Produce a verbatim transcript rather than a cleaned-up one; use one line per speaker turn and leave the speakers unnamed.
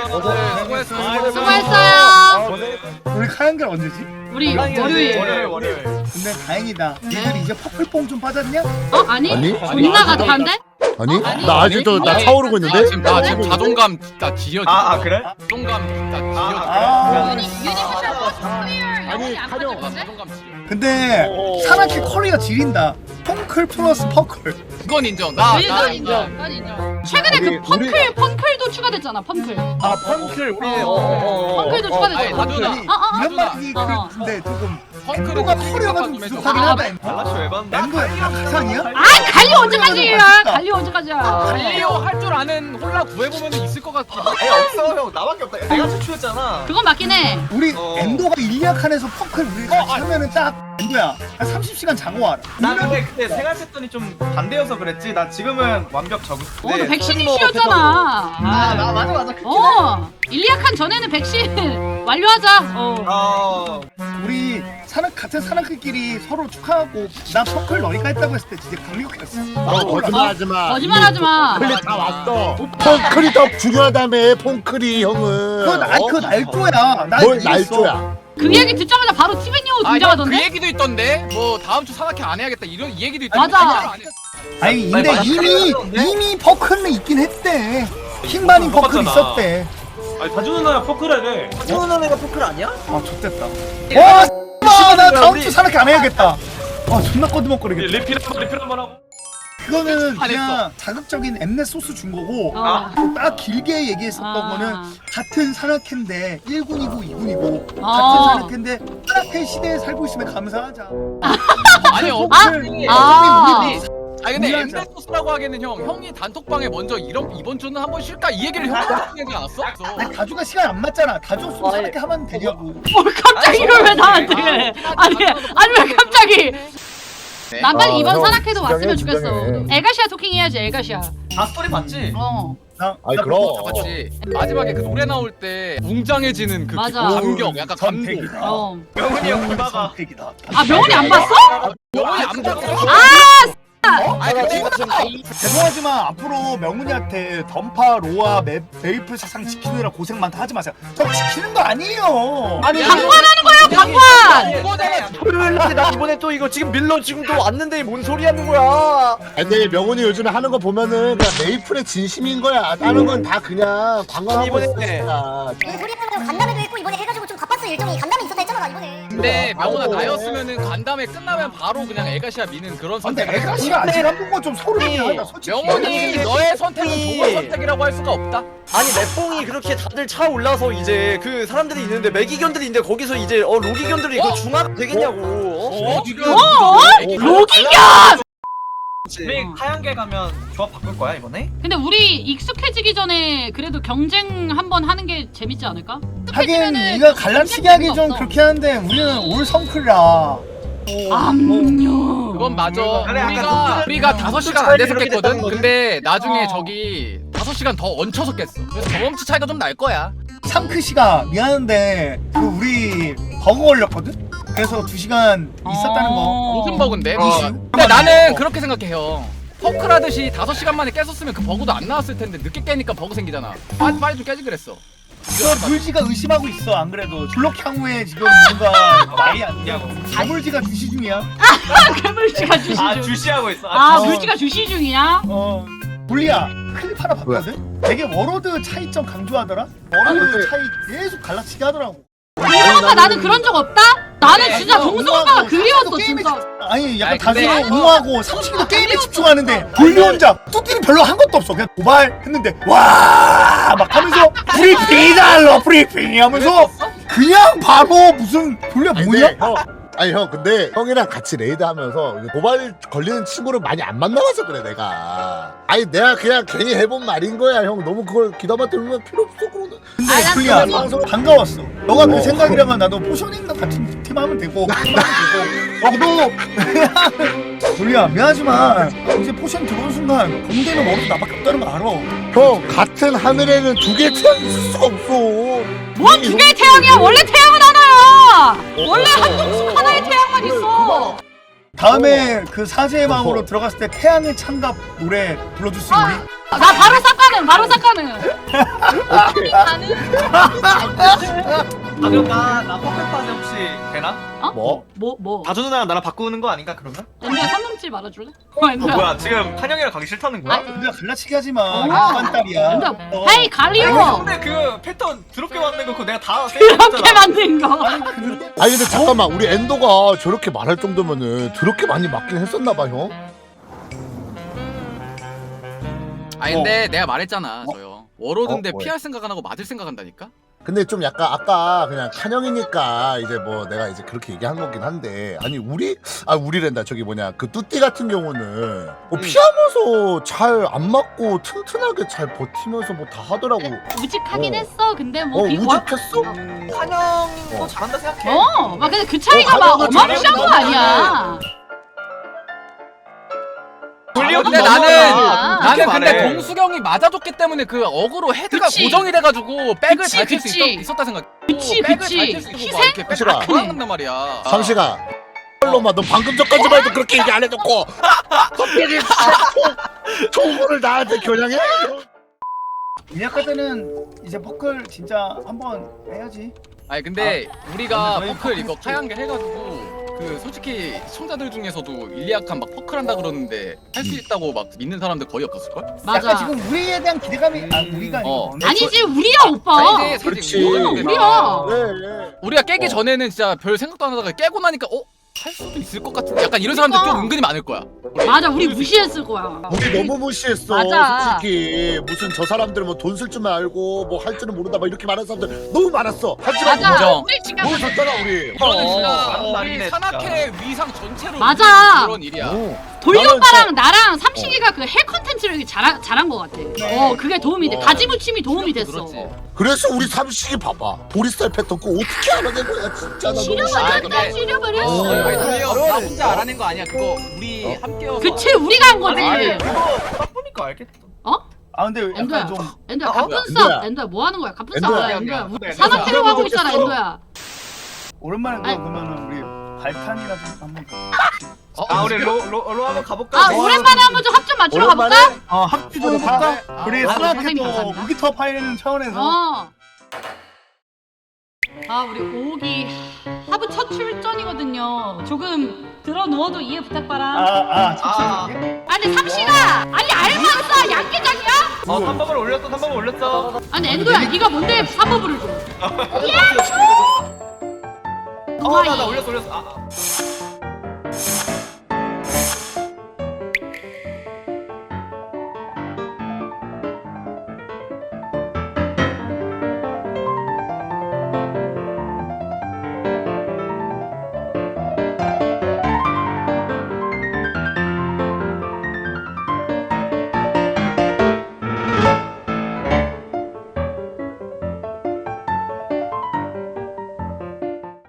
수고했어.
수고했어요.
우리 카양결 언제지?
우리 월요일.
월요일 월요일.
근데 다행이다. 니들 이제 퍼플뽕 좀 빠졌냐?
어 아니?
아니?
존나 가득한데?
아니?
아니?
나 아직도 나
아니?
차오르고 있는데?
나 지금 나 지금 자존감 진짜 지어지.
아, 아 그래?
자존감 진짜 지어지.
아,
유니 유니버셜 클리어 영혼이 안 빠졌는데?
자존감 지어.
근데 사나키 커리어 지린다. 펑클 플러스 퍼클.
그건 인정. 나
이건
나
인정. 이건 인정. 최근에 그
우리-
펑클 펑클도 추가됐잖아. 펑클.
아 펑클 우리
펑클도 추가됐잖아.
아니, 나도나.
어, 어, 어.
이런 말이
어, 어.
근데 조금
펑크를
엠도가
좀
커리어가 좀
해줘.
부족하긴
아,
하다.
달라쇼 에반다.
엠도야 가상이야?
아 갈리 언제까지야? 갈리 언제까지야?
갈리오 할 줄 아는 홀라 구해보면 있을 것 같아.
에 없어 형 나밖에 없다. 내가 최초였잖아.
그건 맞긴 해.
우리
어.
엠도가 일리아칸에서 펑클 우리 같이
어, 아.
하면은 딱 엠도야 한 삼십 시간 자고 와라.
나 근데 그때 생활 패턴이 좀 반대여서 그랬지. 나 지금은 완벽 적응.
어, 너 백신 이슈였잖아.
아나 맞아 맞아. 그때.
어, 일리아칸 전에는 백신 완료하자. 어.
어.
우리 사나 같은 사나키끼리 서로 축하하고 나 펑클 너희가 했다고 했을 때 진짜 감격했어.
너 거짓말하지 마.
거짓말하지 마.
펑클이 다 왔어. 펑클이 더 중요하다며 펑클이 형은.
그거 나 그거 날조야. 나
뭘
이겼어.
날조야.
그 얘기 듣자마자 바로 티벤이오
아, 형, 그
등장하던데?
얘기도 있던데. 뭐 다음 주 사나키 안 해야겠다. 이런 이 얘기도 있던데.
맞아.
진짜로 안 해.
아니 근데
맞아,
이미
맞아.
이미 퍼클은 있긴 했대. 킹반인 퍼클
똑같잖아.
있었대.
아니 다주 누나야 포크를 해.
태훈 애가 포클 아니야?
아 좋됐다. 와, 씨발, 나 다음 주 사나키 안 해야겠다. 아 존나 꺼드먹거리겠다.
리필 한번 리필 한번 하고.
그거는
안
그냥 자극적인 엠넷 소스 준 거고
어.
딱 길게 얘기했었던
아.
거는 같은 산악회인데 일 군이고 이 군이고
아.
같은 산악회인데 산악회 시대에 살고 있으면 감사하자.
아니 어.
아. 아.
우리
아니 근데
이해하자.
엠베소스라고 하기에는 형 형이 단톡방에 먼저 이런 이번 주는 한번 쉴까 이 얘기를 형한테 하지 않았어?
아니, 다주가 시간 안 맞잖아. 다주 없으면 산악회 하면 되냐고.
뭘 갑자기 이걸 왜 나한테 해? 아니 아니 왜 갑자기? 난 빨리
아,
이번
형,
산악회도 왔으면
진정해,
좋겠어.
진정해.
엘가시아 토킹 해야지 엘가시아.
아 스토리 봤지?
어.
나,
아이
나
그럼.
맞지. 마지막에 그 노래 나올 때 웅장해지는 그
맞아.
감격, 약간 감동.
선택이다.
어.
명훈이 형 기바가.
선택이다.
아 명훈이 안 봤어?
영원히 안 봤어. 아니 근데
죄송하지만 앞으로 명훈이한테 던파, 로아, 메, 메이플 세상 지키느라 고생 많다 하지 마세요. 저 지키는 거 아니에요.
아니
방관하는 거야 방관.
이거잖아.
토요일날 나 이번에 또 이거 지금 밀러 지금 또 왔는데 뭔 소리 하는 거야?
근데 명훈이 요즘에 하는 거 보면은 그냥 메이플의 진심인 거야. 다른 건 다 그냥 관광하고
이번에
있으니까.
무슨 소리 하는 거야? 간담회도 했고 이번에 해가지고 좀 바빴어 일정이. 간담회 있었다 했잖아 나 이번에.
근데 명훈아
아우.
나였으면은 간담회 끝나면 바로 그냥 에가시아 미는 그런
근데
선택을 했어.
애가씨가 아직 한 번 좀 소름이 하다 솔직히.
명훈이 너의 선택은 좋은 선택이라고 할 수가 없다.
아니 맵봉이 그렇게 다들 차 올라서 이제 그 사람들이 있는데 매기견들이 있는데 거기서 이제 어 로기견들이 그 중화가 되겠냐고 어?
어 지금
로기견.
우리 하얀개 가면 조합 바꿀 거야 이번에?
근데 우리 익숙해지기 전에 그래도 경쟁 한번 하는 게 재밌지 않을까?
하긴
익숙해지면은
이거 갈라치기 하기 좀
없어.
그렇게 하는데 우리는 올 성클이라.
암요.
그건 맞아.
그래, 약간
우리가
독특한-
우리가 다섯 시간 안 돼서 깼거든. 근데 나중에
어.
저기 다섯 시간 더 얹혀서 깼어. 그래서 경험치 차이가 좀 날 거야.
삼크씨가 미안한데 그 우리 버거 걸렸거든? 그래서 두 시간 있었다는 거.
어.
무슨 버그인데?
어.
근데 나는 그렇게 생각해 형. 퍼클 하듯이 다섯 시간 만에 깼었으면 그 버그도 안 나왔을 텐데 늦게 깨니까 버그 생기잖아. 빨리 빨리 좀 깨지 그랬어.
저 물지가 의심하고 있어 안 그래도 블록 향후에 지금 뭔가 말이 안 되냐고. 자물지가 주시 중이야.
괴물씨가 주시
아
중.
주시하고 있어.
아
어.
물씨가 주시 중이야?
어 불리야 클립 하나 봤거든? 되게 워로드 차이점 강조하더라? 워로드 차이 계속 갈라치기 하더라고.
동수 오빠 나는 그런 적 없다? 나는 진짜
어,
동수
옹호하고
오빠가 그리웠어
게임에
진짜.
집중- 아니 약간
아니, 근데-
다수는 옹호하고 삼식이도 게임에 집중하는데 불리 혼자 뚜띠는 별로 한 것도 없어. 그냥 도발 했는데 와 막 하면서 브리핑이다 브리핑 하면서 그냥 바로 무슨 불리야
아니,
뭐냐?
근데 형, 아니 형 근데 형이랑 같이 레이드 하면서 도발 걸리는 친구를 많이 안 만나봐서 그래 내가. 아니 내가 그냥 괜히 해본 말인 거야 형. 너무 그걸 귀담아 들으면 필요 없어 그러는.
근데
아, 난
불리야
그거
방송 반가웠어. 너가
어.
그 생각이라면 나도 포셔닝과 같은 팀 하면 되고 나도 불리야 미안하지만 이제 포션 들어온 순간 공대는 워로드 나밖에 없다는 거 알아.
형 같은 하늘에는 두 개의 태양이 있을 수가 없어.
뭔 두 개의 태양이야? 원래 태양은 하나야. 원래 한 동숙 하나의 태양만 있어.
다음에 그 사제의 마음으로 들어갔을 때 태양의 창갑 노래 불러줄 수 있니?
나 바로 싹가는 바로 싹가는.
아 그럼 나나 퍼펙트파스 혹시 되나?
뭐?
뭐 뭐?
다주 누나랑 나랑 바꾸는 거 아닌가 그러면?
엔드야 삼삼칠 말아줄래? 어
어
엔드야.
뭐야 지금 한영이랑 가기 싫다는 거야?
근데 갈라치기 하지 마.
어.
일반 딸이야.
엔드야.
어.
헤이 갈리오.
근데 그 패턴 드럽게 만든 거 그거 내가 다
그렇게 만든 거.
아니 근데
아니 근데 잠깐만 우리 엔도가 저렇게 말할 정도면은 더럽게 많이 맞긴 했었나봐 형.
아니 근데 내가 말했잖아 저요. 워로드인데
어, 뭐야?
피할 생각 안 하고 맞을 생각 한다니까?
근데 좀 약간 아까 그냥 칸형이니까 이제 뭐 내가 이제 그렇게 얘기한 거긴 한데 아니 우리 아 우리랜다 저기 뭐냐 그 뚜띠 같은 경우는 뭐 피하면서 잘 안 맞고 튼튼하게 잘 버티면서 뭐 다 하더라고.
우직하긴
어.
했어. 근데 뭐
어
비-
우직했어?
한영도
어.
잘한다 생각해.
어, 막 근데 그 차이가
어,
막
가져가,
어마무시한 거
가져가.
아니야.
근데
너무
나는
많아.
나는
그렇게
근데
말해.
동수경이 맞아줬기 때문에 그 어그로 헤드가
그치.
고정이 돼가지고 백을
그치,
잘 칠 수
그치.
있었다 생각.
그치,
백을
그치.
잘칠수 있고
희생?
막 이렇게 백
그치라.
다 돌아간단 말이야.
삼시가 놈아 너 방금 전까지만 해도 그렇게 얘기 안 해놓고 갑자기 총구를 나한테 겨냥해?
미약할 때는 이제 퍼클 진짜 한번 해야지.
아니 근데 우리가
근데 저희
퍼클 이거
퍼클
카양게 해가지고 그 솔직히 시청자들 중에서도 일리약한 막 퍼클 한다 그러는데 할 수 있다고 막 믿는 사람들 거의 없었을걸?
맞아.
약간 지금 우리에 대한 기대감이 아 우리가
어.
아니고
아니지 우리야 오빠.
아니지
그렇지.
어, 우리야.
네,
우리가 깨기
어.
전에는 진짜 별 생각도 안 하다가 깨고 나니까 어? 할 수도 있을 것 같은데 약간 이런 사람들 좀
그러니까.
은근히 많을 거야.
맞아 우리 무시했을 거야.
우리 너무 무시했어
맞아.
솔직히 무슨 저 사람들 뭐 돈 쓸 줄 알고 뭐 할 줄은 모른다 막 이렇게 말하는 사람들 너무 많았어 하지만
맞아.
인정.
우리 지금
뭘 줬잖아 우리
이거는 진짜
어,
우리
말이네,
산악회 위상 전체로
맞아.
있는 그런 일이야.
어.
돌리
나는
오빠랑 나랑 삼식이가 그 헬 컨텐츠를 잘한 잘한 거 같아. 어 그게 도움이 돼.
어.
가지무침이 도움이 됐어.
그렇지.
그래서 우리 삼식이 봐봐 보리쌀 패턴 그거 어떻게 알아낸 거야 진짜 나 너무
지려버렸다
근데-
지려버렸어.
어.
아니 돌려 나 혼자 알아낸 거 아니야. 그거 우리 함께여서.
그치 우리가 한 거지.
아니 그거 딱 보니까 알겠다.
아 근데
엔도야,
약간 좀
엔도야
어?
갑분싸.
엔도야.
엔도야 뭐 하는 거야? 갑분싸
엔도야.
뭐야? 엔도야.
네, 네.
산악회로 하고
엔도야.
있잖아 엔도야.
오랜만에
아니.
그러면은 우리 발탄이나 좀 한번
어,
아 우리 로로 한번 가볼까?
아 오랜만에 한번 좀 합 좀 맞추러
오랜만에?
가볼까?
어 합주 좀 해볼까? 우리
아,
산악회
선생님
또
감사합니다.
무기터 파이는 차원에서
어. 아 우리 오기 하부 첫 출전이거든요. 조금 들어 누워도 이해 부탁바라.
아아
아.
아,
아니 삼시가 아니 알맞어 양계장이야?
어 삼 법을 올렸어 삼 법을 올렸어.
아니 엔도야 네가 뭔데 사법을 줘?
어나나 올렸어 올렸어. 아,